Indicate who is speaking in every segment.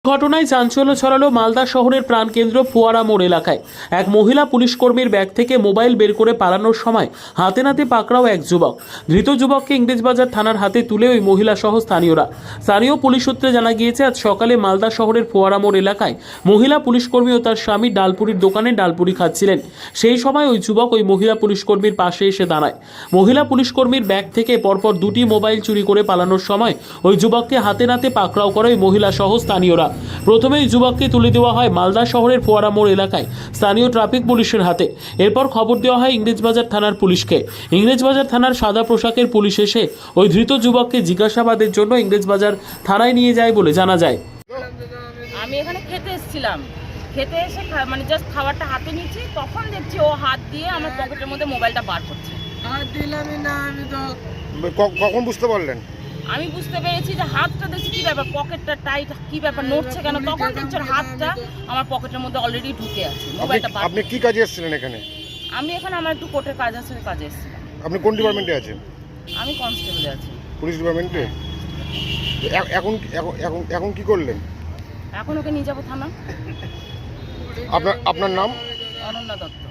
Speaker 1: ঘটনায় চাঞ্চল্য ছড়ালো মালদা শহরের প্রাণকেন্দ্র ফোয়ারা মোড় এলাকায়। এক মহিলা পুলিশ কর্মীর ব্যাগ থেকে মোবাইল বের করে পালানোর সময় হাতে নাতে পাকড়াও এক যুবক। ধৃত যুবককে ইংরেজবাজার থানার হাতে তুলে ওই মহিলা সহ স্থানীয়রা। স্থানীয় পুলিশ সূত্রে জানা গিয়েছে, আজ সকালে মালদা শহরের ফোয়ারা মোড় এলাকায় মহিলা পুলিশ কর্মী ও তার স্বামী ডালপুরির দোকানে ডালপুরি খাচ্ছিলেন। সেই সময় ওই যুবক ওই মহিলা পুলিশ কর্মীর পাশে এসে দাঁড়ায়। মহিলা পুলিশ কর্মীর ব্যাগ থেকে পরপর দুটি মোবাইল চুরি করে পালানোর সময় ওই যুবককে হাতে নাতে পাকড়াও করে ওই মহিলা সহ স্থানীয়রা। প্রথমেই যুবককে তুলে দেওয়া হয় মালদা শহরের ফোয়ারা মোড় এলাকায় স্থানীয় ট্রাফিক পুলিশের হাতে। এরপর খবর দেওয়া হয় ইংরেজবাজার থানার পুলিশকে। ইংরেজবাজার থানার সাদা পোশাকের পুলিশ এসে ওই ধৃত যুবককে জিজ্ঞাসাবাদের জন্য ইংরেজবাজার থানায় নিয়ে যায় বলে জানা যায়।
Speaker 2: আমি এখানে খেতে এসেছিলাম, খেতে এসে মানে জাস্ট খাবারটা হাতে নিয়েছি, তখন দেখছি ও হাত দিয়ে আমার পকেটের মধ্যে মোবাইলটা বার করছে।
Speaker 3: কখন বুঝতে পারলেন?
Speaker 2: আমি বুঝতে পেরেছি যে হাতটা দেখছি কি ব্যাপার, পকেটটা টাইট, কি ব্যাপার নড়ছে কেন, তখন দেখছি ওর হাতটা আমার পকেটের মধ্যে অলরেডি ঢুকে আছে। মোবাইলটা বার।
Speaker 3: আপনি কি কাজে এসেছিলেন এখানে?
Speaker 2: আমি এখানে আমার একটু কোর্টের কাজ আছে, কাজে এসেছিলাম।
Speaker 3: আপনি কোন ডিপার্টমেন্টে আছেন?
Speaker 2: আমি কনস্টেবলে আছি।
Speaker 3: পুলিশ ডিপার্টমেন্টে? এখন এখন এখন কি করলেন?
Speaker 2: এখন ওকে নিয়ে যাবো থানা।
Speaker 3: আপনার নাম?
Speaker 2: অনন্যা দত্ত।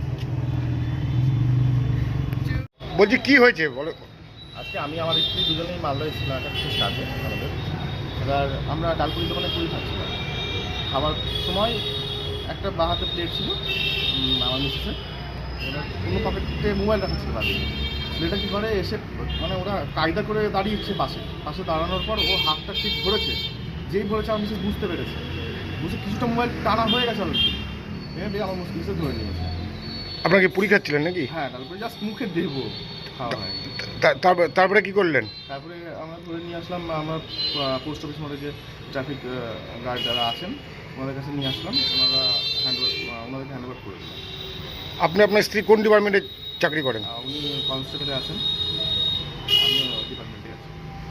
Speaker 3: বলছি কি হয়েছে বলো।
Speaker 4: আজকে আমি আমার স্ত্রী দুজনেই মালদা এসেছিলাম একটা বিশেষ কাজে আমাদের। এবার আমরা ডালপুরি দোকানে পুরি খাচ্ছিলাম। খাবার সময় একটা বাঁ হাতে প্লেট ছিল আমার মিসেসের, এবার কোনো পকেটে মোবাইল রাখা ছিল বাড়ি। ছেলেটা কী করে এসে মানে ওরা কায়দা করে দাঁড়িয়েছে পাশে দাঁড়ানোর পর ও হাতটা ঠিক ধরেছে, যেই ধরেছে আমার মিসেস বুঝতে পেরেছে, বুঝে কিছুটা মোবাইল টানা হয়ে গেছে অলরেডি, এবার আমার মিসেস ধরে নিয়েছে।
Speaker 3: আপনাকে পুরি খাচ্ছিলেন নাকি?
Speaker 4: হ্যাঁ, ডালপুরি জাস্ট মুখে দেবো খাওয়া হয়।
Speaker 3: তারপরে কি করলেন?
Speaker 4: তারপরে আমরা ধরে নিয়ে আসলাম, আমরা পোস্ট অফিস মোড়ে যে ট্রাফিক গার্ড যারা আছেন ওনাদের কাছে নিয়ে আসলাম, ওনাদেরকে হ্যান্ড ওভার করে দিলাম।
Speaker 3: আপনি আপনার স্ত্রী কোন ডিপার্টমেন্টে চাকরি করেন?
Speaker 4: উনি কনস্টেবলে আছেন, আমি ডিপার্টমেন্টে আছি।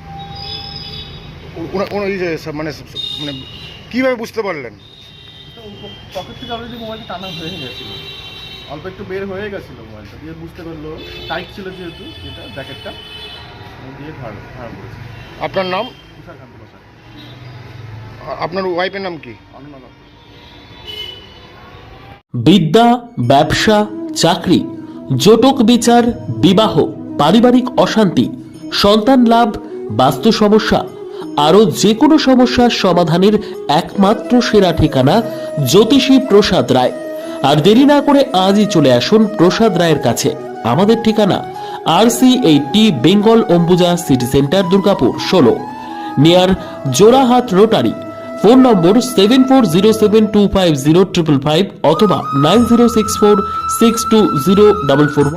Speaker 3: মানে মানে কীভাবে বুঝতে পারলেন?
Speaker 4: পকেট থেকে অলরেডি মোবাইলটা টানা হয়ে গেছিলো, অল্প একটু বের হয়ে গেছিলো মোবাইলটা, দিয়ে বুঝতে পারলো টাইট ছিল যেহেতু যেটা জ্যাকেটটা দিয়ে ধার করেছে।
Speaker 3: আপনার নাম?
Speaker 4: তুষারকান্ত বসাক।
Speaker 3: আপনার ওয়াইফের নাম কি?
Speaker 4: অনন্যা দত্ত।
Speaker 1: বিদ্যা, ব্যবসা, চাকরি, জটক বিচার, বিবাহ, পারিবারিক অশান্তি, সন্তান লাভ, বাস্তু সমস্যা, আরও যে কোনো সমস্যার সমাধানের একমাত্র সেরা ঠিকানা জ্যোতিষী প্রসাদ রায়। আর দেরি না করে আজই চলে আসুন প্রসাদ রায়ের কাছে। আমাদের ঠিকানা RC80 Bengal Ambuja city centre, Durgapur 16, near Jorahat rotary. Phone number 7407250555 অথবা 9064620444।